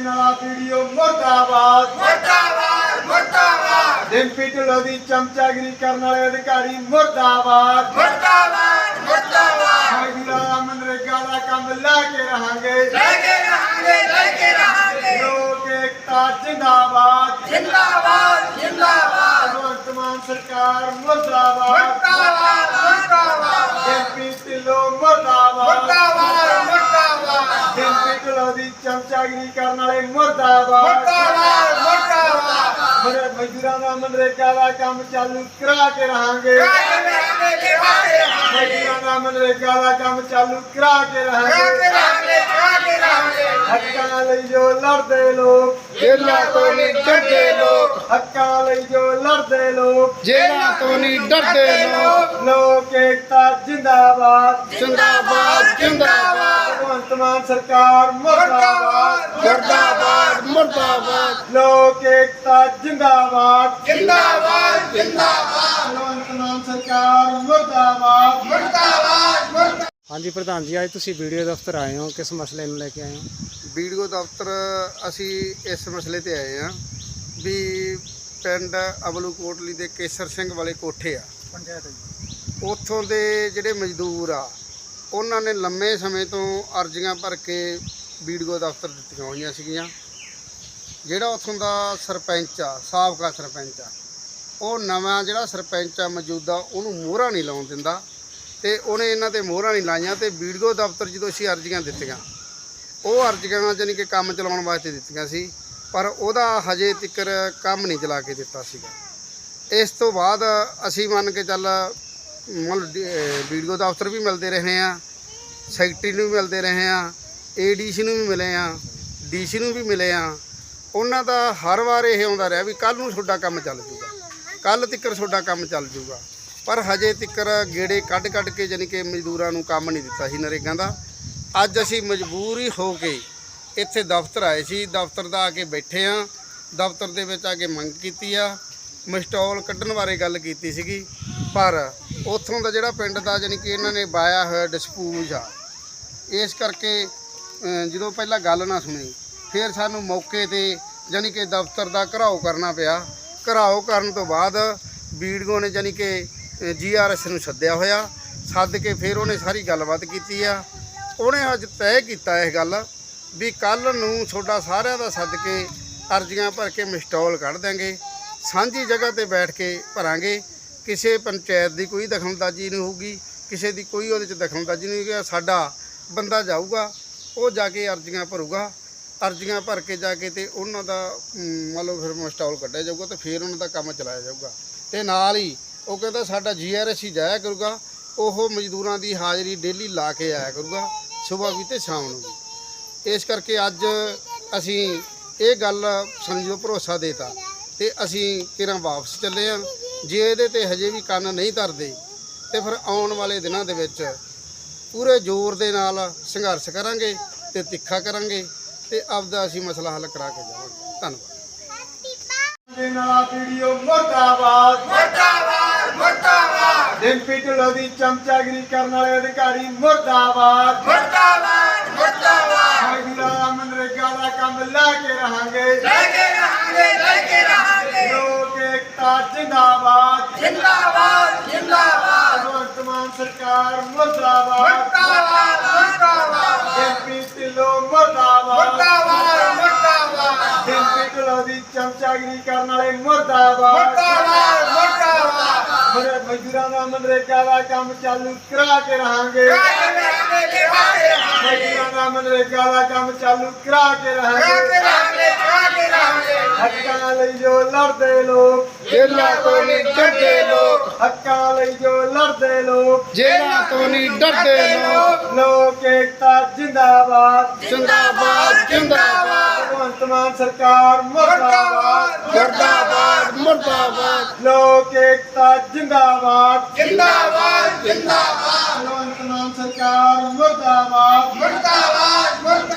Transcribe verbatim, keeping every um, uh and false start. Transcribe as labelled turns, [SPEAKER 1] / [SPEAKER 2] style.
[SPEAKER 1] देने वाला वीडियो मुर्दाबाद
[SPEAKER 2] मुर्दाबाद मुर्दाबाद
[SPEAKER 1] डिम्पी ढिल्लों की चमचागिरी करने वाले अधिकारी मुर्दाबाद
[SPEAKER 2] मुर्दाबाद मुर्दाबाद
[SPEAKER 1] मजदूरां मनरेगा का काम लेके रहांगे
[SPEAKER 2] लेके रहांगे लेके रहांगे
[SPEAKER 1] लोक एकता जिंदाबाद
[SPEAKER 2] जिंदाबाद जिंदाबाद
[SPEAKER 1] भगवंत मान सरकार मुर्दाबाद
[SPEAKER 2] मुर्दाबाद मुर्दाबाद
[SPEAKER 1] डिम्पी ढिल्लों मुर्दाबाद
[SPEAKER 2] मुर्दाबाद मुर्दाबाद
[SPEAKER 1] डिम्पी ढिल्लों की चमचागिरी करने वाले मुर्दाबाद
[SPEAKER 2] मुर्दाबाद मुर्दाबाद
[SPEAKER 1] मेरे मजदूरां का मनरेगा का काम चालू करा के रहांगे
[SPEAKER 2] लेके रहांगे लेके रहांगे
[SPEAKER 1] मजदूरां का मनरेगा का काम चालू करा के रहांगे
[SPEAKER 2] लेके रहांगे लेके रहांगे
[SPEAKER 1] हक्कां लई जो लड़दे लोग
[SPEAKER 3] जेलां तो नहीं डरदे लोग
[SPEAKER 1] हक्कां लई जो लड़दे लोग
[SPEAKER 3] जेलां तो नहीं डरदे लोग
[SPEAKER 1] लोक एकता जिंदाबाद
[SPEAKER 2] जिंदाबाद जिंदाबाद
[SPEAKER 1] भगवंत मान सरकार मुर्दाबाद
[SPEAKER 3] मुर्दाबाद मुर्दाबाद
[SPEAKER 1] लोक एकता जिंदाबाद
[SPEAKER 2] जिंदाबाद जिंदाबाद
[SPEAKER 1] भगवंत मान सरकार मुर्दाबाद
[SPEAKER 2] मुर्दाबाद मुर्दाबाद
[SPEAKER 4] हाँ जी प्रधान जी अज तुम वीडियो दफ्तर आए हो किस मसले में लेके आए हो
[SPEAKER 3] ਵੀਡੀਓ ਦਫ਼ਤਰ ਅਸੀਂ ਇਸ ਮਸਲੇ ਤੇ ਆਏ ਆ ਵੀ ਪਿੰਡ ਅਬਲੂ ਕੋਟਲੀ ਦੇ ਕੇਸਰ ਸਿੰਘ ਵਾਲੇ ਕੋਠੇ ਆ ਪੰਚਾਇਤ ਉੱਥੋਂ ਦੇ ਜਿਹੜੇ ਮਜ਼ਦੂਰ ਆ ਉਹਨਾਂ ਨੇ ਲੰਮੇ ਸਮੇਂ ਤੋਂ ਅਰਜ਼ੀਆਂ ਭਰ ਕੇ ਵੀਡੀਓ ਦਫ਼ਤਰ ਦਿੱਤੀਆਂ ਹੋਈਆਂ ਸੀਗੀਆਂ। ਜਿਹੜਾ ਉੱਥੋਂ ਦਾ ਸਰਪੰਚ ਆ ਸਾਬਕਾ ਸਰਪੰਚ ਆ ਉਹ ਨਵਾਂ ਜਿਹੜਾ ਸਰਪੰਚ ਆ ਮੌਜੂਦਾ ਉਹਨੂੰ ਮੋਹਰਾਂ ਨਹੀਂ ਲਾਉਣ ਦਿੰਦਾ ਤੇ ਉਹਨੇ ਇਹਨਾਂ ਤੇ ਮੋਹਰਾਂ ਨਹੀਂ ਲਾਈਆਂ ਤੇ ਵੀਡੀਓ ਦਫ਼ਤਰ ਜਦੋਂ ਅਸੀਂ ਅਰਜ਼ੀਆਂ ਦਿੱਤੀਆਂ ਉਹ ਅਰਜ਼ੀਆਂ ਜਾਨੀ ਕਿ ਕੰਮ ਚਲਾਉਣ ਵਾਸਤੇ ਦਿੱਤੀਆਂ ਸੀ ਪਰ ਉਹਦਾ ਹਜੇ ਤੱਕ ਕੰਮ ਨਹੀਂ ਚਲਾ ਕੇ ਦਿੱਤਾ ਸੀਗਾ। ਇਸ ਤੋਂ ਬਾਅਦ ਅਸੀਂ ਮੰਨ ਕੇ ਚੱਲ ਵੀਡੀਓ ਦਫ਼ਤਰ ਵੀ ਮਿਲਦੇ ਰਹੇ ਆ, ਸੈਕਟਰੀ ਨੂੰ ਵੀ ਮਿਲਦੇ ਰਹੇ ਆ, ਏਡੀਸੀ ਨੂੰ ਵੀ ਮਿਲੇ ਆ, ਡੀਸੀ ਨੂੰ ਵੀ ਮਿਲੇ ਆ। ਉਹਨਾਂ ਦਾ ਹਰ ਵਾਰ ਇਹ ਆਉਂਦਾ ਰਿਹਾ ਵੀ ਕੱਲ੍ਹ ਨੂੰ ਤੁਹਾਡਾ ਕੰਮ ਚੱਲ ਜੂਗਾ, ਕੱਲ੍ਹ ਤੱਕ ਤੁਹਾਡਾ ਕੰਮ ਚੱਲ ਜੂਗਾ ਪਰ ਹਜੇ ਤੱਕ ਗੇੜੇ ਕੱਢ ਕੱਢ ਕੇ ਜਾਨੀ ਕਿ ਮਜ਼ਦੂਰਾਂ ਨੂੰ ਕੰਮ ਨਹੀਂ ਦਿੱਤਾ ਸੀ ਨਰੇਗਾ ਦਾ। ਅੱਜ ਅਸੀਂ ਮਜਬੂਰੀ ਹੋ ਕੇ ਇੱਥੇ ਦਫ਼ਤਰ ਆਏ ਸੀ, ਦਫ਼ਤਰ ਦਾ ਆ ਕੇ ਬੈਠੇ ਆ। ਦਫ਼ਤਰ ਦੇ ਵਿੱਚ ਆ ਕੇ ਮੰਗ ਕੀਤੀ ਆ, ਮਸਟੋਲ ਕੱਢਣ ਬਾਰੇ ਗੱਲ ਕੀਤੀ ਸੀਗੀ ਪਰ ਉੱਥੋਂ ਦਾ ਜਿਹੜਾ ਪਿੰਡ ਦਾ ਜਾਨੀ ਕਿ ਇਹਨਾਂ ਨੇ ਬਾਇਆ ਹੋਇਆ ਡਿਸਪੂਜ ਆ। ਇਸ ਕਰਕੇ ਜਦੋਂ ਪਹਿਲਾਂ ਗੱਲ ਨਾ ਸੁਣੀ ਫਿਰ ਸਾਨੂੰ ਮੌਕੇ ਤੇ ਜਾਨੀ ਕਿ ਦਫ਼ਤਰ ਦਾ ਘਰਾਓ ਕਰਨਾ ਪਿਆ। ਘਰਾਓ ਕਰਨ ਤੋਂ ਬਾਅਦ ਵੀਡੀਓ ਨੇ ਜਾਨੀ ਕਿ ਜੀ ਆਰ ਐਸ ਨੂੰ ਸੱਦਿਆ ਹੋਇਆ, ਸੱਦ ਕੇ ਫਿਰ ਉਹਨੇ ਸਾਰੀ ਗੱਲਬਾਤ ਕੀਤੀ ਆ। ਉਹਨੇ ਅੱਜ ਤੈਅ ਕੀਤਾ ਇਹ ਗੱਲ ਵੀ ਕੱਲ੍ਹ ਨੂੰ ਤੁਹਾਡਾ ਸਾਰਿਆਂ ਦਾ ਸੱਦ ਕੇ ਅਰਜ਼ੀਆਂ ਭਰ ਕੇ ਮਸਟੋਲ ਕੱਢ ਦਿਆਂਗੇ, ਸਾਂਝੀ ਜਗ੍ਹਾ ਤੇ ਬੈਠ ਕੇ ਭਰਾਂਗੇ। ਕਿਸੇ ਪੰਚਾਇਤ ਦੀ ਕੋਈ ਦਖਲਅੰਦਾਜ਼ੀ ਨਹੀਂ ਹੋਊਗੀ, ਕਿਸੇ ਦੀ ਕੋਈ ਉਹਦੇ 'ਚ ਦਖਲਅੰਦਾਜ਼ੀ ਨਹੀਂ ਹੋਊਗੀ। ਸਾਡਾ ਬੰਦਾ ਜਾਊਗਾ, ਉਹ ਜਾ ਕੇ ਅਰਜ਼ੀਆਂ ਭਰੂਗਾ, ਅਰਜ਼ੀਆਂ ਭਰ ਕੇ ਜਾ ਕੇ ਤੇ ਉਹਨਾਂ ਦਾ ਮੰਨ ਲਓ ਫਿਰ ਮਸਟੋਲ ਕੱਢਿਆ ਜਾਊਗਾ ਤੇ ਫਿਰ ਉਹਨਾਂ ਦਾ ਕੰਮ ਚਲਾਇਆ ਜਾਊਗਾ। ਤੇ ਨਾਲ ਹੀ ਉਹ ਕਹਿੰਦਾ ਸਾਡਾ ਜੀ ਆਰ ਐਸ ਹੀ ਜਾਇਆ ਕਰੂਗਾ, ਉਹ ਮਜ਼ਦੂਰਾਂ ਦੀ ਹਾਜ਼ਰੀ ਡੇਲੀ ਲਾ ਕੇ ਆਇਆ ਕਰੂਗਾ ਸੁਬਾਹ ਵੀ ਤੇ ਸ਼ਾਮ ਨੂੰ ਵੀ। ਇਸ ਕਰਕੇ ਅੱਜ ਅਸੀਂ ਇਹ ਗੱਲ ਸਮਝੋ ਭਰੋਸਾ ਦੇਤਾ ਤੇ ਅਸੀਂ ਕਿਰਾਂ ਵਾਪਸ ਚੱਲੇ ਆ। ਜੇ ਇਹਦੇ ਤੇ ਹਜੇ ਵੀ ਕੰਨ ਨਹੀਂ ਧਰਦੇ ਤੇ ਫਿਰ ਆਉਣ ਵਾਲੇ ਦਿਨਾਂ ਦੇ ਵਿੱਚ ਪੂਰੇ ਜ਼ੋਰ ਦੇ ਨਾਲ ਸੰਘਰਸ਼ ਕਰਾਂਗੇ ਤੇ ਤਿੱਖਾ ਕਰਾਂਗੇ ਤੇ ਆਪਦਾ ਅਸੀਂ ਮਸਲਾ ਹੱਲ ਕਰਾ ਕੇ ਜਾਵਾਂਗੇ। ਧੰਨਵਾਦ।
[SPEAKER 1] देने वाला वीडियो मुर्दाबाद
[SPEAKER 2] मुर्दाबाद मुर्दाबाद
[SPEAKER 1] डिम्पी ढिल्लों की चमचागिरी करने वाले अधिकारी मुर्दाबाद
[SPEAKER 2] मुर्दाबाद मुर्दाबाद
[SPEAKER 1] मजदूरां मनरेगा का काम लेके रहांगे
[SPEAKER 2] लेके रहांगे लेके रहांगे
[SPEAKER 1] लोक एकता जिंदाबाद
[SPEAKER 2] जिंदाबाद जिंदाबाद
[SPEAKER 1] भगवंत मान सरकार मुर्दाबाद
[SPEAKER 2] मुर्दाबाद मुर्दाबाद
[SPEAKER 1] डिम्पी ढिल्लों मुर्दाबाद
[SPEAKER 2] मुर्दाबाद मुर्दाबाद
[SPEAKER 1] डिम्पी ढिल्लों की चमचागिरी करने वाले मुर्दाबाद
[SPEAKER 2] मुर्दाबाद मुर्दाबाद
[SPEAKER 1] मेरे मजदूरां का मनरेगा का काम चालू करा के रहांगे
[SPEAKER 2] लेके रहांगे लेके रहांगे
[SPEAKER 1] मजदूरां का मनरेगा का काम चालू करा के रहांगे
[SPEAKER 2] लेके रहांगे लेके रहांगे
[SPEAKER 1] हक्कां लई जो लड़दे लोग
[SPEAKER 3] जेलां तो नहीं डरदे लोग
[SPEAKER 1] हक्कां लई जो लड़दे लोग
[SPEAKER 3] जेलां तो नहीं डरदे लोग
[SPEAKER 1] लोक एकता जिंदाबाद
[SPEAKER 3] जिंदाबाद जिंदाबाद
[SPEAKER 1] भगवंत मान सरकार मुर्दाबाद
[SPEAKER 3] मुर्दाबाद मुर्दाबाद
[SPEAKER 1] लोक एकता जिंदाबाद
[SPEAKER 2] जिंदाबाद जिंदाबाद
[SPEAKER 1] भगवंत मान सरकार मुर्दाबाद
[SPEAKER 2] मुर्दाबाद मुर्दाबाद